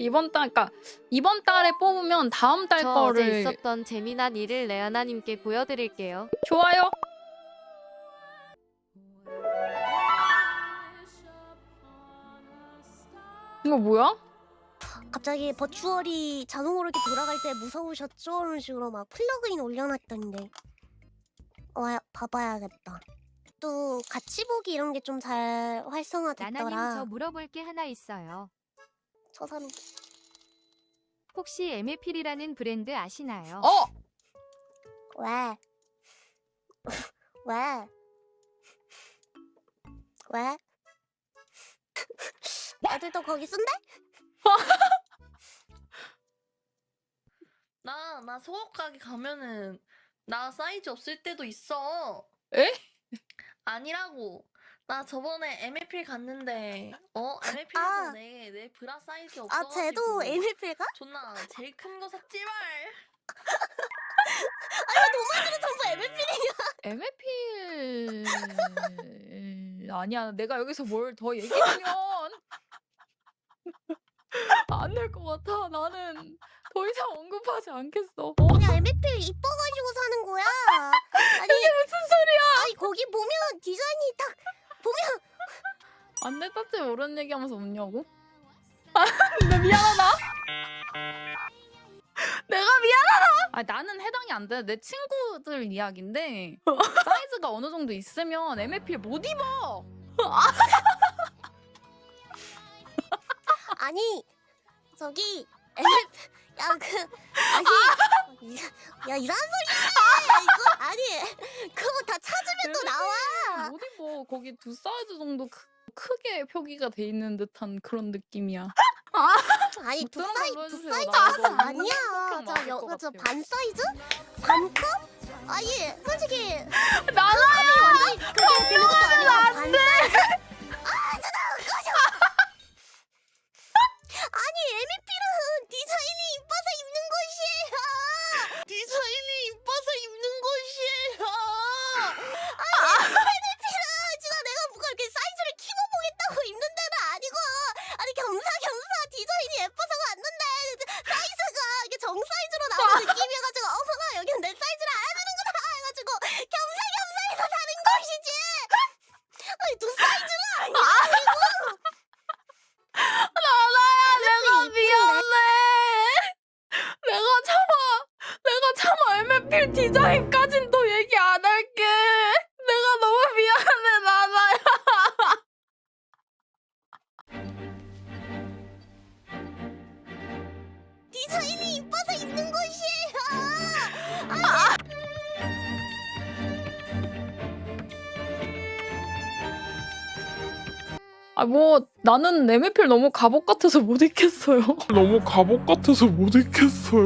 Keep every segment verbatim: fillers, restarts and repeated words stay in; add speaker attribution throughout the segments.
Speaker 1: 이번 달, 그러니까 이번 달에 뽑으면 다음 달
Speaker 2: 저
Speaker 1: 거를
Speaker 2: 어제 있었던 재미난 일을 레아나님께 보여드릴게요.
Speaker 1: 좋아요. 이거 뭐야?
Speaker 3: 갑자기 버추얼이 자동으로 이렇게 돌아갈 때 무서우셨죠? 이런 식으로 막 플러그인 올려놨던데. 와, 봐봐야겠다. 또 같이 보기 이런 게 좀 잘
Speaker 4: 나나님 저
Speaker 3: 활성화됐더라.
Speaker 4: 물어볼 게 하나 있어요.
Speaker 3: 저 사람
Speaker 4: 혹시 엠에필이라는 브랜드 아시나요?
Speaker 1: 어!
Speaker 3: 왜? 왜? 왜? 애들도 거기 쓴대?
Speaker 5: 나, 나 속옷 가게 가면은 나 사이즈 없을 때도 있어.
Speaker 1: 에?
Speaker 5: 아니라고. 나 저번에 엠에필 갔는데 어? 엠에필에서
Speaker 3: 아.
Speaker 5: 내, 내 브라 사이즈
Speaker 3: 아,
Speaker 5: 없어가지고
Speaker 3: 쟤도 엠에필가?
Speaker 5: 존나 제일 큰 거 샀지말.
Speaker 3: 전부 엠에필이
Speaker 1: 엠에필 아니야. 내가 여기서 뭘 더 얘기하면 안 될 것 같아. 나는 더 이상 언급하지 않겠어. 어?
Speaker 3: 그냥 엠에필 이뻐가지고 사는 거야. 아니
Speaker 1: 무슨 소리야?
Speaker 3: 아니 거기 보면 디자인이 딱 보면
Speaker 1: 안 됐다지 모르는 얘기하면서 웃냐고? 아, 나 미안하다. 내가 미안하다. 아, 나는 해당이 안 돼. 내 친구들 이야기인데 사이즈가 어느 정도 있으면 엠에필 못 입어.
Speaker 3: 아니 저기 엠에필 야그 아니 야 이상한 소리야 이거 아니 그거 다 찾으면 또 나와.
Speaker 1: 못 입어. 거기 두 사이즈 정도 크, 크게 표기가 돼 있는 듯한 그런 느낌이야.
Speaker 3: 아니 두
Speaker 1: 들어간
Speaker 3: 사이
Speaker 1: 걸로
Speaker 3: 두
Speaker 1: 해주세요.
Speaker 3: 사이즈
Speaker 1: 나
Speaker 3: 아니야.
Speaker 1: 이거 맞을
Speaker 3: 저
Speaker 1: 것
Speaker 3: 여기 저
Speaker 1: 같아요.
Speaker 3: 반 사이즈? 반컵? 아니 솔직히
Speaker 1: 나나야.
Speaker 3: 완전히 그게 되는 것도 아니고 반 사이즈? 아 진짜 꺼져. 아니 엠이피는 디자인이 이뻐서 입는 것이에요. 디자인이 이뻐서 입는 것이에요. 아니 엠이피는 진짜 내가 뭐가 이렇게 사이즈를 키워보겠다고 입는 데는 아니고 아니 겸사겸사 디자인이 예뻐서가 왔는데 사이즈가 이게 정 사이즈로 나오는 느낌이어가지고 어머나 여기는 내 사이즈를 알아주는구나 해가지고 겸사겸사해서 사는 것이지. 아니 두 사이즈는 아니고.
Speaker 1: 나나야, 내가
Speaker 3: 이쁜데?
Speaker 1: 미안해. 내가 참아. 내가 참아. 엠에필 디자인까진 또 얘기 안 할게. 내가 너무 미안해, 나나야.
Speaker 3: 디자인이 이뻐서 입는 것이에요.
Speaker 1: 아, 뭐 나는 엠에필 너무 갑옷 같아서 못 입겠어요.
Speaker 6: 너무 갑옷 같아서 못 입겠어요.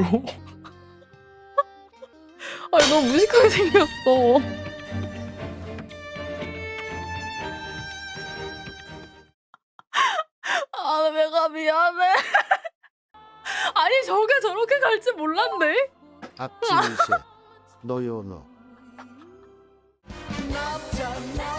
Speaker 1: 아, 너무 무식하게 생겼어. 아, 내가 미안해. 아니, 저게 저렇게 갈지 몰랐네.
Speaker 7: 앞집이세 너요 너.
Speaker 8: 납작